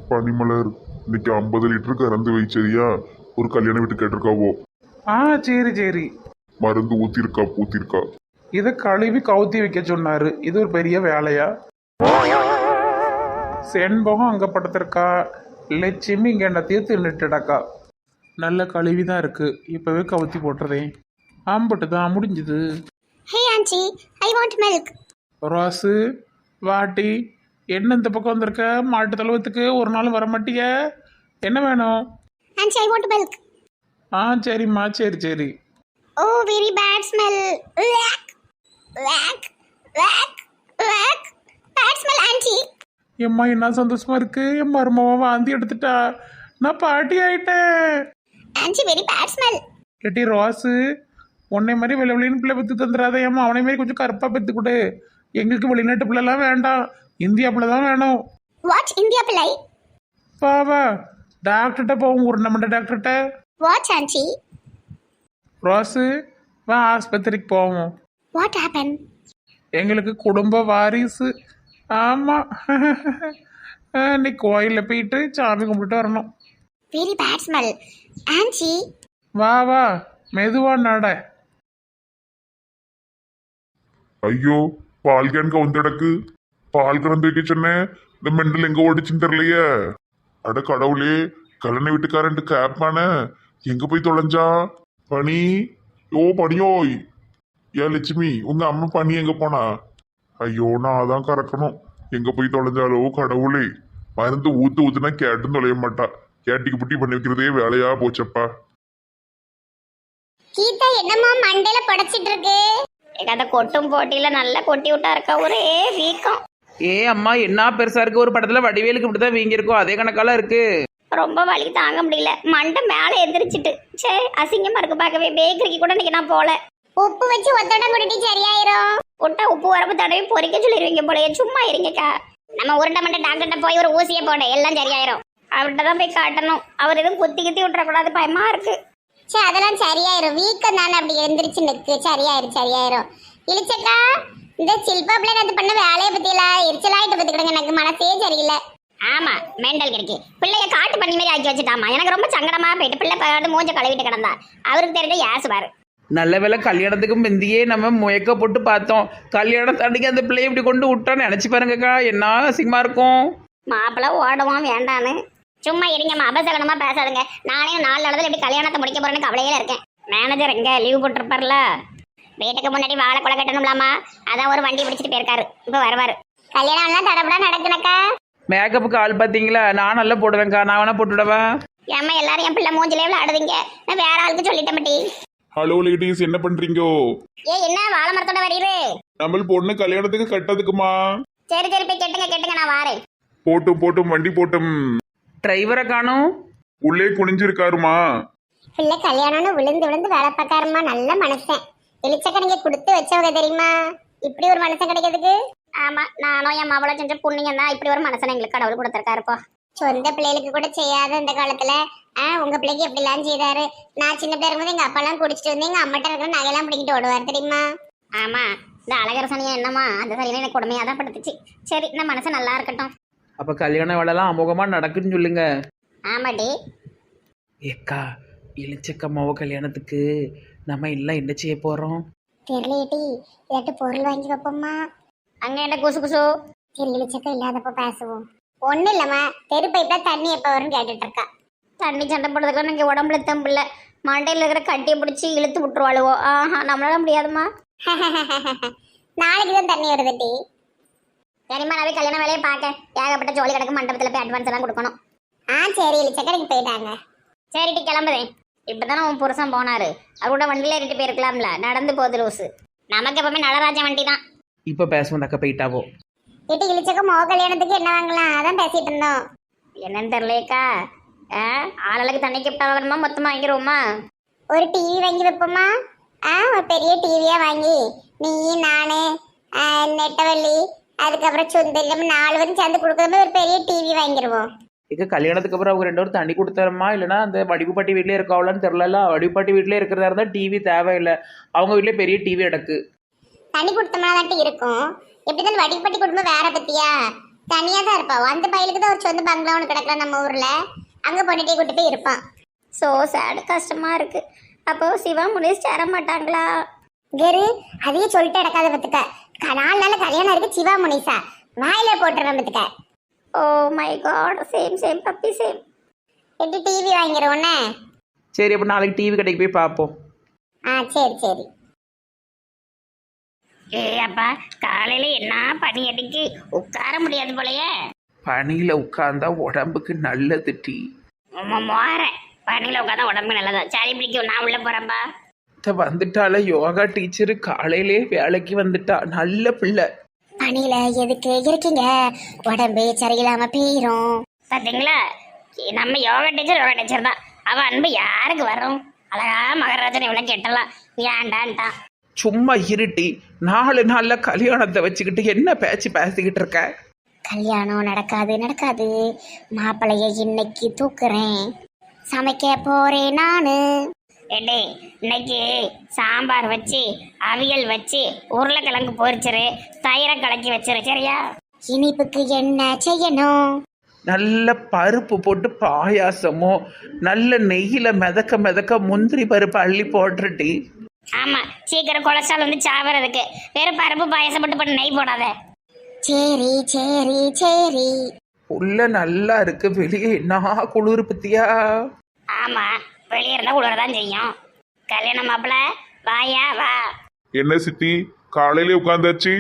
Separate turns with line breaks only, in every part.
பனிமலர், இன்னைக்கு 50 லிட்டர் கறந்து வைச்சரியா? ஒரு கல்யாண வீட்டு கேட்டிருக்காவோ.
ஆ சரி சரி.
மருந்து ஊத்திருக்கா பூத்திருக்கா?
இதை கழுவி கவுத்தி வைக்க சொன்னாரு. இது ஒரு பெரிய வேலையா? செண்பகம் அங்கே படுத்திருக்கா, லட்சுமி இங்கே என்னத்தையும் தின்னுட்டுடக்கா. நல்ல கழுவி தான் இருக்கு. இப்போவே கவுத்தி போட்டுறதேன். ஆம்பட்டு தான் முடிஞ்சுது.
Hey auntie, I want milk.
Rose வாட்டி, என்ன இந்த பக்கம் வந்திருக்க? மாட்டு தழுவத்துக்கு ஒரு நாள் வர மாட்டிய? என்ன வேணும்?
Auntie, I want milk.
ஆ சரிம்மா, சரி சரி.
Oh, very bad smell. Wack, wack, wack, wack. Bad smell, auntie.
எம்மா என்ன சந்தோஷமா இருக்கு. என் மருமவன் வாந்தி எடுத்துட்டா. நான் பாட்டி ஆயிட்டேன்.
Auntie, very bad smell.
கேட்டி ரோஸு, உன்னை மாதிரி வெளின்னு பிள்ளை பெற்று தந்துடாத. ஏம்மா அவனை மாதிரி கொஞ்சம் கருப்பாக பெற்று கொடு. எங்களுக்கு வெளிநாட்டு பிள்ளைலாம் வேண்டாம், இந்தியா பிள்ளை தான் வேணும்.
What, India Pillai?
வா வா, டாக்டர்கிட்ட போவோம். ஒரு நம்ம டாக்டர்கிட்ட.
What, auntie?
ரோஸு வா, ஆஸ்பத்திரிக்கு போவோம்.
What happened?
எங்களுக்கு குடும்ப வாரிசு. ஆமாம், நீ கோயிலில் போயிட்டு சாமி கும்பிட்டு வரணும்.
Very bad smell. Auntie,
வா வா, மெதுவா நட.
ஐயோ, பால் கேன் கவுந்தடக்கு. பால் கறந்து வைக்க சொன்னேன், இந்த மெண்டல் எங்க ஓடிச்சுன்னு தெரியலையே. அட கடவுளே, கல்யாண வீட்டுக்காரன்ட்டு கேப்பான எங்க போய் தொலைஞ்சா? பனி, ஓ பனியோய். ஏன் லட்சுமி, உங்க அம்மா பனி எங்க போனா? ஐயோ, நான் அதான் கறக்கணும். எங்க போய் தொலைஞ்சாலோ கடவுளே. மருந்து ஊத்துனா கேட்டுன்னு தொலைய மாட்டா. கேட்டிக்கு புட்டி பண்ணி வைக்கிறதே வேலையா போச்சப்பா.
கீதா என்னம்மா மண்டையில படைச்சிட்டு இருக்கு?
அந்த கொட்டும் போட்டியில நல்லா கொட்டி விட்டா இருக்கா, ஒரே வீக்கம்.
ஏ அம்மா, என்ன பெருசா இருக்கு. ஒரு படத்துல வடிவேலுக்கு இப்படிதான் வீங்கிருக்கும், அதே கணக்கால இருக்கு.
ரொம்ப வலி தாங்க முடியல. மண்டை மேலே எந்திரிச்சிட்டு, சே அசிங்கமா இருக்கு பார்க்கவே. பேக்கரிக்கு கூட இன்னைக்கு நான் போல.
உப்பு வச்சு ஒத்தடம் குடிட்டி சரியாயிரும்.
விட்டா உப்பு வரப்பு தடவை பொறிக்க சொல்லிடுவீங்க போலயே. சும்மா இருங்கக்கா.
நம்ம உருண்டை மண்டை டாக்டர்கிட்ட போய் ஒரு ஊசியை போட எல்லாம் சரியாயிரும்.
அவர்கிட்ட தான் போய் காட்டணும். அவர் எதுவும் குத்தி குத்தி விட்டுறக்கூடாது, பயமா இருக்கு.
சே அதெல்லாம் சரியாயிரும். வீக்கம் தானே, அப்படி எந்திரிச்சு நிற்கு. சரியாயிரும். இழிச்சக்கா, இந்த சில்பாப்ல நான் பண்ண வேலையை பத்தியில எரிச்சலாயிட்டு பத்துக்கிடுங்க. எனக்கு மனசே சரியில்லை.
ஆமா, மெண்டல் கிடைக்கு. பிள்ளைய காட்டு பண்ணி மாதிரி ஆக்கி வச்சுட்டாமா. எனக்கு ரொம்ப சங்கடமா போயிட்டு. பிள்ளை பாட்டு மூஞ்ச கழுவிட்டு கிடந்தா. அவருக்கு தெரிஞ்ச ஏசுவாரு.
நல்ல வேலை கல்யாணத்துக்கு முந்தியே நம்ம முயக்க போட்டு பார்த்தோம். கல்யாணம் தண்ணிக்கு அந்த பிள்ளைய இப்படி கொண்டு விட்டோன்னு நினைச்சு பாருங்கக்கா, என்ன அசிங்கமா இருக்கும்.
மாப்பிள்ள ஓடுவான் வேண்டான்னு. சும்மா இருங்கம்மா, அபசகனமா பேசாதுங்க. நானே 4 நாளத்துல எப்படி கல்யாணத்தை முடிக்க போறேன்னு கவலையில இருக்கேன். மேனேஜர் எங்க லீவ் போட்டிருப்பார்ல, வீட்டுக்கு முன்னாடி வாழை கொலை கட்டணும்லாமா. அதான் ஒரு வண்டி பிடிச்சிட்டு போயிருக்காரு. இப்போ வருவாரு.
கல்யாணம் எல்லாம் தடபடா நடக்குனக்கா.
மேக்கப்புக்கு ஆள் பார்த்தீங்களா? நான் நல்லா போடுவேன்க்கா, நான் வேணா போட்டுவிடவா?
ஏம்மா எல்லாரும் என் பிள்ளை மூஞ்சிலே விளையாடுதீங்க. நான் வேற ஆளுக்கு சொல்லிட்டேன் மட்டி.
ஹலோ லேடிஸ், என்ன பண்றீங்கோ?
என்ன வாழை மரத்தோட வரீரு?
நம்ம பொண்ணு கல்யாணத்துக்கு கட்டதுக்குமா?
சரி போய் கேட்டுங்க, நான் வாரேன்.
போட்டும் வண்டி போட்டும்.
டிரைவரை காணும்.
உள்ளே குனிஞ்சிருக்காருமா.
பிள்ளை கல்யாணம்னு விழுந்து விழுந்து வேலை பார்க்காருமா. நல்ல மனுஷன். இழிச்சக்க நீங்க கொடுத்து வச்சவங்க தெரியுமா? இப்படி ஒரு மனுஷன் கிடைக்கிறதுக்கு.
ஆமா, நானும் என் மாவளை செஞ்ச புண்ணியம் தான். இப்படி ஒரு மனுஷன் எங்களுக்கு கடவுள் கொடுத்துருக்காருப்பா.
சொந்த பிள்ளைகளுக்கு கூட செய்யாத இந்த காலத்துல உங்க பிள்ளைக்கு எப்படி எல்லாம் செய்தாரு. நான் சின்ன பிள்ளை இருக்கும்போது எங்க அப்பா எல்லாம் குடிச்சிட்டு வந்து எங்க அம்மாட்ட இருக்கிற நகையெல்லாம் பிடிக்கிட்டு ஓடுவார் தெரியுமா?
ஆமா, இந்த அழகர் சனியா என்னமா, அந்த சனியை எனக்கு கொடுமையா தான் படுத்துச்சு. சரி, இந்த மனசு நல்லா இருக்கட்டும்.
அப்ப கல்யாண வேலைலாம் அமோகமா நடக்குன்னு சொல்லுங்க.
ஆமாடி.
ஏக்கா, இளிச்சக்கம்மாவோ கல்யாணத்துக்கு நம்ம எல்லாம் என்ன செய்ய போறோம்?
தெரியலேட்டி, ஏதாட்டு பொருள் வாங்கி வைப்போம்மா.
அங்க என்ன குசு குசு?
சரி, இழிச்சக்க இல்லாதப்ப பேசுவோம். ஒண்ணு இல்லம்மா, தெரு பைப்ல தண்ணி எப்ப வரும்னு கேட்டுட்டு இருக்கா.
தண்ணி சண்டை போடுறதுக்கு நீங்க உடம்புல தம்பில்ல, மண்டையில இருக்கிற கட்டியை பிடிச்சி இழுத்து விட்டுருவாளுவோ. ஆஹா, நம்மளால முடியாதுமா.
நாளைக்கு தான் தண்ணி வருது டி.
சரிம்மா, நான் போய் கல்யாண வேலையை பார்க்க. ஏகப்பட்ட ஜோலி கிடக்கு, மண்டபத்தில் போய் அட்வான்ஸ் எல்லாம் கொடுக்கணும்.
சரி, இழிச்சக்க போயிட்டாங்க.
சரிட்டி, கிளம்புறேன். இப்பதானே உன் புருஷன் போனாரு. அவரோட வண்டியில ஏறிட்டு போயிருக்கலாம்ல. நடந்து போகுது லூசு. நமக்கு எப்பவுமே நடராஜ வண்டி தான்.
இப்ப பேசுவோம் அக்கா, போயிட்டாவோ.
இட்டு இழிச்சக்க மோ கல்யாணத்துக்கு என்ன வாங்கலாம் அதான் பேசிட்டு இருந்தோம்.
என்னன்னு தெரியலையக்கா. ஆளுக்கு தண்ணி கிப்டா வாங்கணுமா, மொத்தமா வாங்கிடுவோமா?
ஒரு டிவி வாங்கி வைப்போமா? ஒரு பெரிய டிவியா வாங்கி நீ, நானு, நெட்டவள்ளி, அதுக்கப்புறம் சுந்தரி, நம்ம 4 பேரும் சேர்ந்து கொடுக்குற ஒரு பெரிய டிவி வாங்கிடுவோம்.
இங்க கல்யாணத்துக்கு அப்புறம் அவங்க 2 பேரும் தண்ணி கொடுத்தாரமா, இல்லைன்னா அந்த வடிவுப்பாட்டி வீட்லயே இருக்காவலான்னு தெரியல. வடிவுப்பாட்டி வீட்லயே இருக்கிறதா இருந்தா டிவி தேவையில்லை. அவங்க வீட்லயே பெரிய டிவி கிடக்கு.
தண்ணி கொடுத்தோம்னா தான் இருக்கும். எப்படிதான் வடிப்பட்டி குடும்பம் வேற பத்தியா? தனியா தான் இருப்பான். அந்த பையலுக்கு தான் ஒரு சொந்த பங்களா ஒன்று கிடக்கலாம் நம்ம ஊர்ல. அங்க பொண்ணுட்டே கூட்டு போய் இருப்பான்.
ஸோ சேடு, கஷ்டமா இருக்கு. அப்போ சிவா முனிஸ் சேர மாட்டாங்களா?
கரு அதையே சொல்லிட்டு இடக்காத பத்துக்க. 4 நாள் கல்யாணம் இருக்கு சிவா முனிசா. வாயில போட்டுறேன் பத்துக்க.
Oh my god, same same puppy same.
எப்படி டிவி வாங்கிடுவோன்னே?
சரி, அப்போ நாளைக்கு டிவி கடைக்கு போய் பார்ப்போம்.
சரி சரி.
ஏ அப்பா, காலையில என்ன பனி அடிக்கு, உட்கார முடியாது போலயே.
பனியில் உட்கார்ந்தா உடம்புக்கு நல்லது டீ.
மோறேன், பனியில உட்காந்தா உடம்பு நல்லதா. சளி பிடிக்கும், நான் உள்ள போறேன்பா.
வந்துட்டால யோகா டீச்சரு காலையிலே வேலைக்கு வந்துட்டா. நல்ல பிள்ளை.
பணியில எதுக்கு இருக்கீங்க? உடம்பு சரியில்லாம போயிரும்.
பாத்தீங்களா, நம்ம யோகா டீச்சர் தான். அவ அன்பு யாருக்கு வரும்? அழகா மகராஜன் இவ்வளவு கெட்டலாம், ஏண்டான்ட்டான்.
சும்மா இருட்டி. 4 நாள்ல கல்யாணத்தை வச்சுக்கிட்டு என்ன பேச்சு பேசிக்கிட்டு இருக்க?
கல்யாணம் நடக்காது. மாப்பிள்ளைய இன்னைக்கு தூக்குறேன். சமைக்க போறேன் நானு.
ஏண்டே, இன்னைக்கு சாம்பார் வச்சு, அவியல் வச்சு, உருளைக்கிழங்கு பொரிச்சிரு, தயிரை கலக்கி வச்சிரு, சரியா?
இனிப்புக்கு என்ன செய்யணும்?
நல்ல பருப்பு போட்டு பாயாசமும் நல்ல நெய்யில மிதக்க முந்திரி பருப்பு அள்ளி போட்டுட்டி.
ஆமா, சீக்கிரம் கொலஸ்ட்ரால் வந்து சாவறதுக்கு. வெறும் பருப்பு பாயசம் மட்டும் பண்ண, நெய் போடாத.
சரி சரி சரி.
உள்ள நல்லா இருக்கு, வெளியே என்ன குளிர் பத்தியா?
ஆமா, வெளியே இருந்தா உழறதான் செய்யும். கல்யாண மாப்பிள்ள வாயா வா.
என்ன சித்தி காலையிலே உட்காந்தாச்சு?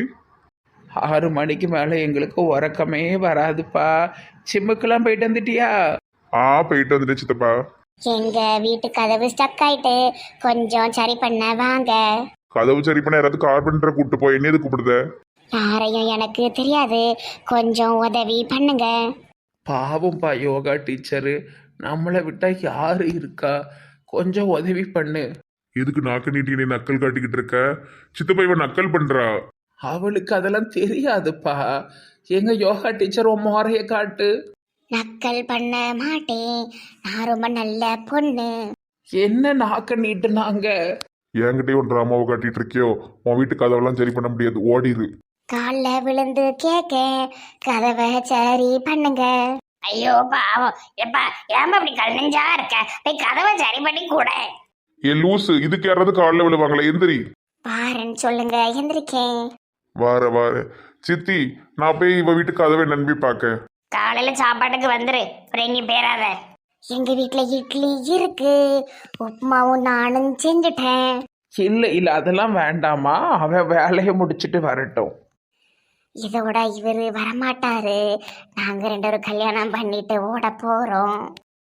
6 மணிக்கு மேலே எங்களுக்கு உறக்கமே வராதுப்பா. சிம்முக்கெல்லாம் போயிட்டு வந்துட்டியா?
போயிட்டு வந்துட்டு சித்தப்பா.
எங்க வீட்டு கதவு ஸ்டக் ஆயிட்டு, கொஞ்சம் சரி பண்ண வாங்க.
கதவு சரி பண்ண யாராவது கார்பெண்டரை கூப்பிட்டு போய் என்ன கூப்பிடுத?
யாரையும் எனக்கு தெரியாது, கொஞ்சம் உதவி பண்ணுங்க.
பாவம்ப்பா யோகா டீச்சரு, நம்மளை விட்டா யாரு இருக்கா? கொஞ்சம் உதவி பண்ணு.
எதுக்கு நாக்கு நீட்டி நீ நக்கல் காட்டிக்கிட்டு இருக்க? சித்தப்பா இவன் நக்கல் பண்றா.
அவளுக்கு அதெல்லாம் தெரியாதுப்பா. எங்க யோகா டீச்சர் உன் முறைய காட்டு.
நக்கல் பண்ண மாட்டேன், நான் ரொம்ப நல்ல பொண்ணு.
என்ன நாக்க நீட்டுனாங்க?
என்கிட்டயே ஒரு ட்ராமாவை காட்டிட்டு இருக்கியோ? உன் வீட்டு கதவெல்லாம் சரி பண்ண முடியாது, ஓடிரு.
காலில் விழுந்து கேட்க, கதவை சரி பண்ணுங்க.
ஐயோ பாவம், எப்பா ஏமா அப்படி கல்நெஞ்சா இருக்க? போய் கதவை சரி பண்ணி கூட.
ஏ லூசு, இதுக்கு யாராவது காலில் விழுவாங்களே? எந்திரி.
பாருன்னு சொல்லுங்க, எந்திரிக்கேன்.
வார சித்தி, நான் போய் இவ வீட்டு கதவை நம்பி பார்க்க.
காலையில சாப்பாட்டுக்கு வந்துரு, அப்புறம் எங்கேயும் பேராத.
எங்க வீட்டுல இட்லி இருக்கு, உப்புமாவும் நானும் செஞ்சுட்டேன்.
இல்ல அதெல்லாம் வேண்டாமா, அவ வேலையை முடிச்சிட்டு வரட்டும்.
இதோட இவரு வரமாட்டாரு. நாங்க 2 பேரும் கல்யாணம் பண்ணிட்டு ஓட போறோம்.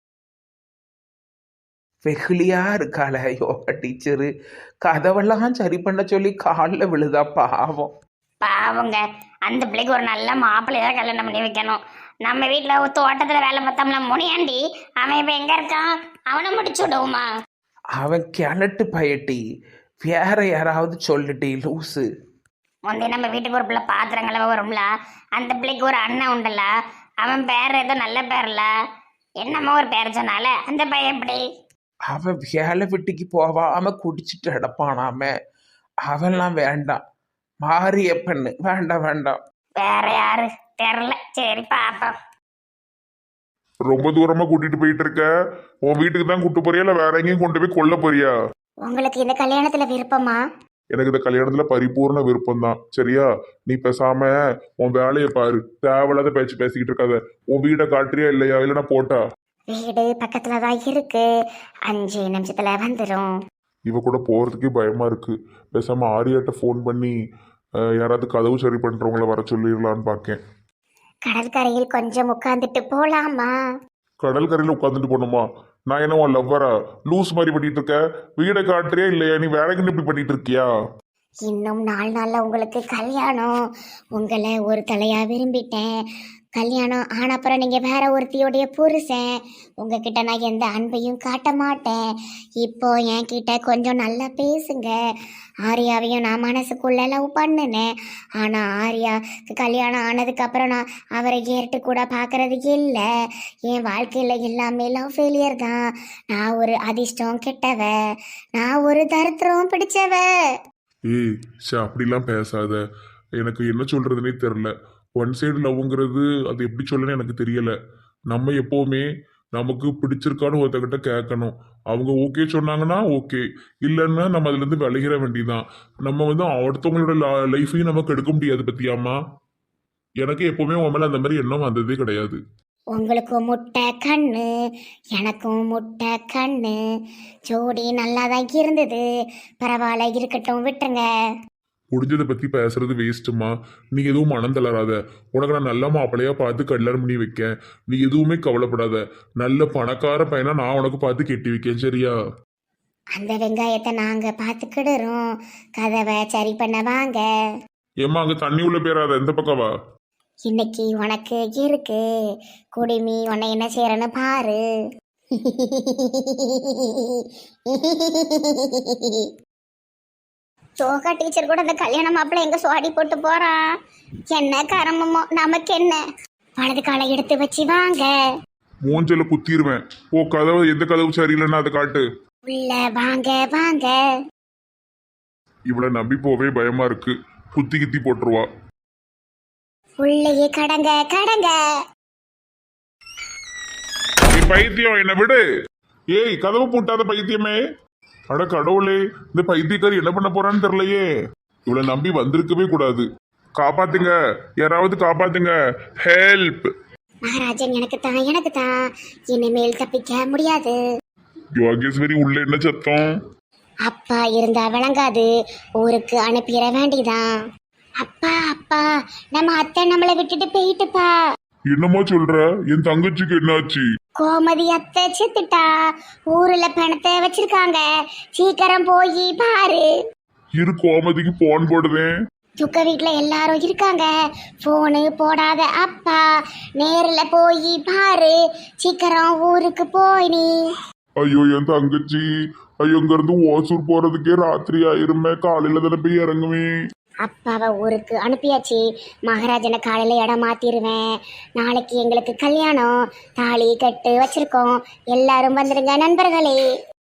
வெகுளியா இருக்காள யோகா டீச்சரு. கதவெல்லாம் சரி பண்ண சொல்லி காலில் விழுதா. பாவம்.
பாவங்க, அந்த பிள்ளைக்கு ஒரு நல்ல மாப்பிள்ளைதான் கல்யாணம் பண்ணி வைக்கணும். நம்ம வீட்டில் ஒரு தோட்டத்தில் வேலை பார்த்தோம்ல முனியாண்டி, அவன் இப்போ எங்கே இருக்கான்? அவனை முடிச்சு விடுவோமா?
அவன் கிணட்டு பயட்டி. வேற யாராவது சொல்லிட்டி லூசு.
முந்தைய நம்ம வீட்டுக்கு ஒரு பிள்ளை பாத்திரங்கள வரும்ல, அந்த பிள்ளைக்கு ஒரு அண்ணன் உண்டல்ல, அவன் பேர் ஏதோ நல்ல பேர்ல, என்னமோ ஒரு பேர் சொன்னால, அந்த பையன் எப்படி?
அவன் வேலை வெட்டிக்கு போவாம குடிச்சிட்டு அடப்பானாம. அவெல்லாம் வேண்டாம். மாறிய பெண்ணு வேண்டாம்.
வேற யாரு தெரியல, சரி பாப்போம்.
ரொம்ப தூரமா கூட்டிட்டு போயிட்டு இருக்க. உன் வீட்டுக்கு தான் கூட்டு போறியா இல்ல வேற எங்கேயும் கொண்டு போய் கொல்ல போறியா?
உங்களுக்கு இந்த கல்யாணத்துல விருப்பமா?
எனக்கு இந்த கல்யாணத்துல பரிபூர்ண விருப்பம் தான். சரியா? நீ பேசாம உன் வேலையை பாரு, தேவையில்லாத பேச்சு பேசிக்கிட்டு இருக்காத. உன் வீடை காட்டுறியா இல்லையா? இல்லைன்னா போட்டா?
வீடு பக்கத்துல தான் இருக்கு, 5 நிமிஷத்துல வந்துடும்.
இவ கூட போறதுக்கே பயமா இருக்கு. பேசாம ஆரியாட்ட ஃபோன் பண்ணி யாராவது கதவு சரி பண்றவங்கள வர சொல்லிடலான்னு பார்க்கேன்.
கடற்கரையில் கொஞ்சம் உட்கார்ந்துட்டு போலாமா?
கடல் கரையில உட்காந்துட்டு போகணுமா? நான் என்ன உன் லவ்வரா? லூஸ் மாதிரி பண்ணிட்டு இருக்க. வீடை காட்டுறியா இல்லையா? நீ வேலைக்குன்னு இப்படி பண்ணிட்டு இருக்கியா?
இன்னும் 4 நாள்ல உங்களுக்கு கல்யாணம். உங்களை ஒரு தலையா விரும்பிட்டேன். கல்யாணம் ஆன அப்புறம் நீங்க வேற ஒருத்தியோடைய புருஷன். உங்ககிட்ட நான் எந்த அன்பையும் காட்ட மாட்டேன். இப்போ என்கிட்ட கொஞ்சம் நல்லா பேசுங்க. ஆர்யாவையும் நான் மனசுக்குள்ள லவ் பண்ணினேன். ஆனா ஆர்யாவுக்கு கல்யாணம் ஆனதுக்கு அப்புறம் நான் அவரை ஏற்று கூட பார்க்கறது இல்லை. என் வாழ்க்கையில எல்லாமே லவ் ஃபெயிலியர் தான். நான் ஒரு அதிர்ஷ்டம் கெட்டவ, நான் ஒரு தரித்திரம் பிடிச்சவ.
ஏய் அப்படிலாம் பேசாத. எனக்கு என்ன சொல்றதுன்னே தெரில. ஒன் சைடு லவ்ங்கிறது அது எப்படி சொல்லணும்னு எனக்கு தெரியல. நம்ம எப்போவுமே நமக்கு பிடிச்சிருக்கான்னு ஒருத்தக்கிட்ட கேட்கணும். அவங்க ஓகே சொன்னாங்கன்னா ஓகே, இல்லைன்னா நம்ம அதுலேருந்து விலகிற வேண்டியதான். நம்ம வந்து அடுத்தவங்களோட லைஃபையும் நம்ம கெடுக்க முடியாது பத்தியாமா. எனக்கு எப்போவுமே உன் மேலே அந்த மாதிரி எண்ணம் வந்ததே கிடையாது.
உங்களுக்கும் முட்டை கண்ணு, எனக்கும் முட்டை கண்ணு, ஜோடி நல்லா தான் இருந்தது, பரவாயில்ல இருக்கட்டும் விட்டுருங்க.
முடிஞ்சதை பற்றி பேசுறது வேஸ்ட்டுமா. நீ எதுவும் மனம் தளராத. உனக்கு நான் நல்ல மாப்பிள்ளையா பார்த்து கல்யாணம் பண்ணி வைக்கேன். நீ எதுவுமே கவலைப்படாத. நல்ல பணக்கார பையனா நான் உனக்கு பார்த்து கெட்டி வைக்கேன், சரியா?
அந்த வெங்காயத்தை நாங்க பார்த்துக்கிடுறோம், கதவை சரி பண்ண வாங்க.
ஏம்மா அங்கே தண்ணி உள்ள பேராத, இந்த பக்கம் வா.
இன்னைக்கு உனக்கு இருக்கு, குடிமி உன்னை என்ன செய்யறன்னு பாரு.
யோகா டீச்சர் கூட அந்த கல்யாண மாப்பிள்ளை எங்க சுவாடி போட்டு போறான். என்ன கரமமோ நமக்கு என்ன.
வலது காலை எடுத்து வச்சு வாங்க.
மூஞ்சல குத்திடுவேன். ஓ கதவு, எந்த கதவு சரியில்லைன்னா அதை காட்டு.
உள்ள வாங்க வாங்க.
இவளை நம்பி போவே பயமா இருக்கு. குத்தி கித்தி போட்டுருவா.
உள்ளேயே கடங்க கடங்க.
நீ பைத்தியம், என்ன விடு. ஏய் கதவு பூட்டாத பைத்தியமே. அட கடவுளே, இந்த பைத்தியக்காரி என்ன பண்ண போறான்னு தெரியலையே. இவளை நம்பி வந்திருக்கவே கூடாது. காப்பாத்துங்க, யாராவது காப்பாத்துங்க, ஹெல்ப்.
மகாராஜன் எனக்கு தான் இனிமேல் தப்பிக்க முடியாது.
யோகேஸ்வரி உள்ள என்ன சத்தம்?
அப்பா இருந்தா விளங்காது, ஊருக்கு அனுப்பிட வேண்டிதான். அப்பா அப்பா, நம்ம அத்தை நம்மளை விட்டுட்டு போயிட்டுப்பா.
என்னமோ சொல்ற? என் தங்கச்சிக்கு என்னாச்சு?
கோமதி அத்தை செத்துட்டா, ஊர்ல பணத்தை வச்சிருக்காங்க, சீக்கிரம் போய் பாரு.
இரு, கோமதிக்கு போன் போடுவேன்.
துக்க வீட்டுல எல்லாரும் இருக்காங்க, போனு போடாத அப்பா, நேர்ல போய் பாரு, சீக்கிரம் ஊருக்கு போய் நீ.
ஐயோ என் தங்கச்சி, ஐயோ இங்க இருந்து ஓசூர் போறதுக்கே ராத்திரி ஆயிருமே, காலையில தானே போய் இறங்குவேன்.
அப்பாவை ஊருக்கு அனுப்பியாச்சு, மகாராஜனை காலையில இடம் மாத்திருவேன். நாளைக்கு எங்களுக்கு கல்யாணம், தாலி கட்டு வச்சிருக்கோம், எல்லாரும் வந்துருங்க நண்பர்களே.